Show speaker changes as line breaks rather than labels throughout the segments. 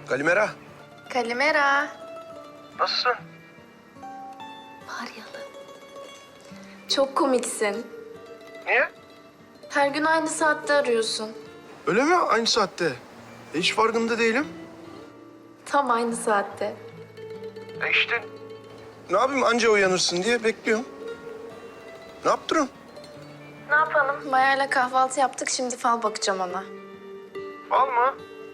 Kalimera.
Kalimera.
Nasılsın?
Faryalı. Çok komiksin.
Niye?
Her gün aynı saatte arıyorsun.
Öyle mi? Aynı saatte. Hiç farkında değilim.
Tam aynı saatte.
İşte. Ne yapayım anca uyanırsın diye bekliyorum. Ne yaptırıyorsun?
Ne yapalım? Maya'yla kahvaltı yaptık. Şimdi fal bakacağım ona.
Fal mı?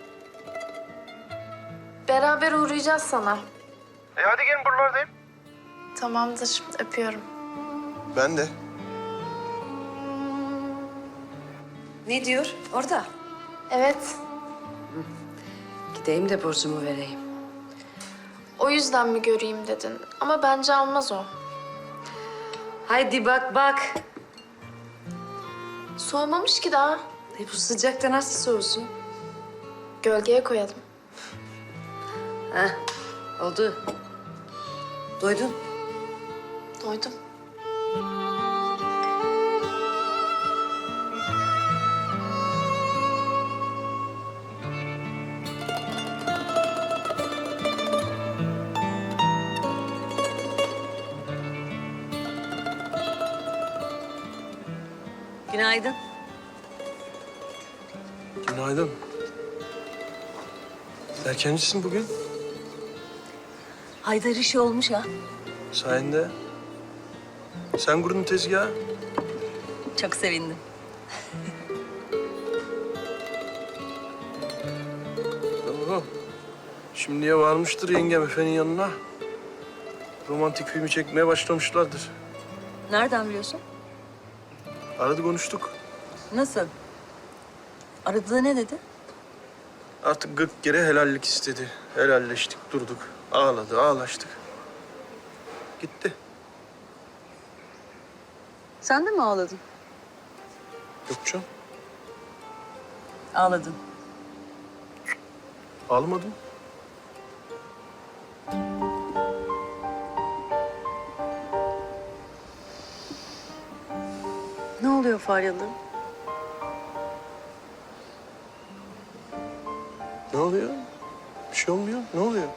Beraber uğrayacağız sana.
Hadi gelin buralardayım.
Tamamdır. Öpüyorum.
Ben de.
Ne diyor orada?
Evet.
Gideyim de borcumu vereyim.
O yüzden mi göreyim dedin? Ama bence almaz o.
Haydi bak bak.
Soğumamış ki daha.
Bu sıcakta nasıl soğusun?
Gölgeye koyalım.
Heh, oldu. Doydun.
Doydum.
Günaydın.
Günaydın. Erkencisin bugün.
Haydar işi olmuş ha.
Sayende. Sen kurdun tezgahı.
Çok sevindim.
Tamam. Şimdiye varmıştır yengem efenin yanına. Romantik filmi çekmeye başlamışlardır.
Nereden biliyorsun?
Aradı konuştuk.
Nasıl? Aradı ne dedi?
Artık 40 kere helallik istedi. Helalleştik, durduk. Ağladı, ağlaştık. Gitti.
Sen de mi ağladın?
Yok canım,
Ağladın.
ağlamadım.
Ne oluyor Faryalı?
Ne oluyor? Bir şey olmuyor. Ne oluyor?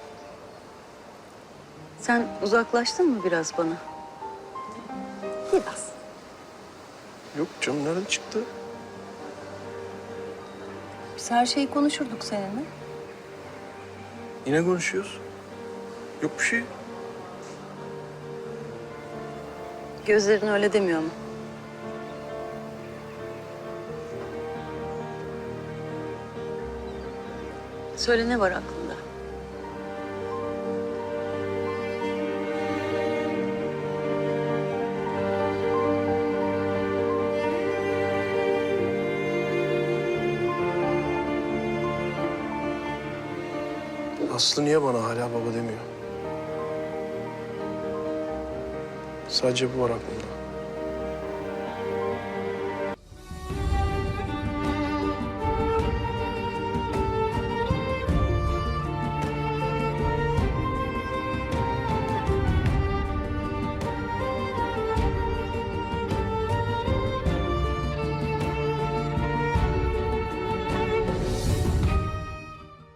Sen uzaklaştın mı biraz bana? Biraz.
Yok canım, nereden çıktı?
Biz her şeyi konuşurduk seninle.
Yine konuşuyoruz. Yok bir şey.
Gözlerin öyle demiyor mu? Söyle ne var aklında?
Aslı niye bana hala baba demiyor? Sadece bu var aklımda.